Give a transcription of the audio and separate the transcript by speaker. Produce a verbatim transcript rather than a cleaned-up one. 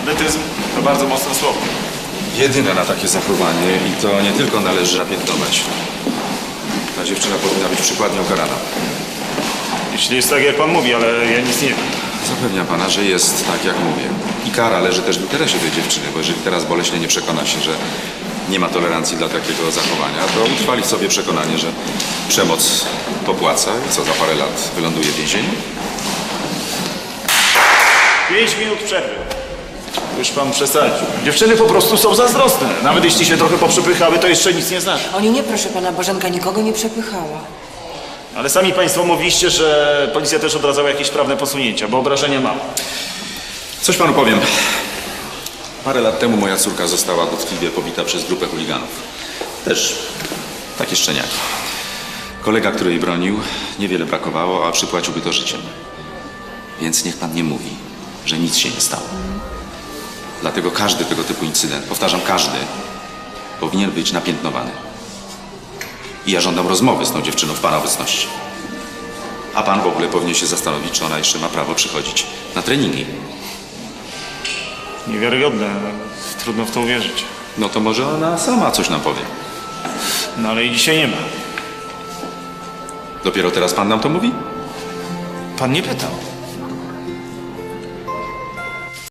Speaker 1: Bandytyzm to bardzo mocne słowo.
Speaker 2: Jedyne na takie zachowanie i to nie tylko należy napiętnować. Ta dziewczyna powinna być przykładnie ukarana.
Speaker 1: Jeśli jest tak, jak pan mówi, ale ja nic nie wiem.
Speaker 2: Zapewniam pana, że jest tak, jak mówię. I kara leży też w interesie tej dziewczyny, bo jeżeli teraz boleśnie nie przekona się, że nie ma tolerancji dla takiego zachowania, to utrwali w sobie przekonanie, że przemoc popłaca i co, za parę lat wyląduje w więzieniu?
Speaker 1: Pięć minut przerwy. Już pan przesadził. Dziewczyny po prostu są zazdrosne. Nawet jeśli się trochę poprzepychały, to jeszcze nic nie znaczy.
Speaker 3: Oni nie, proszę pana, Bożenka nikogo nie przepychała.
Speaker 1: Ale sami państwo mówiliście, że policja też odradzała jakieś prawne posunięcia, bo obrażenia mam.
Speaker 2: Coś panu powiem. Parę lat temu moja córka została dotkliwie pobita przez grupę chuliganów. Też takie szczeniaki. Kolega, który jej bronił, niewiele brakowało, a przypłaciłby to życiem. Więc niech pan nie mówi, że nic się nie stało. Dlatego każdy tego typu incydent, powtarzam, każdy, powinien być napiętnowany. I ja żądam rozmowy z tą dziewczyną w pana obecności. A pan w ogóle powinien się zastanowić, czy ona jeszcze ma prawo przychodzić na treningi.
Speaker 1: Niewiarygodne. Trudno w to uwierzyć.
Speaker 2: No to może ona sama coś nam powie.
Speaker 1: No ale i dzisiaj nie ma.
Speaker 2: Dopiero teraz pan nam to mówi?
Speaker 1: Pan nie pytał.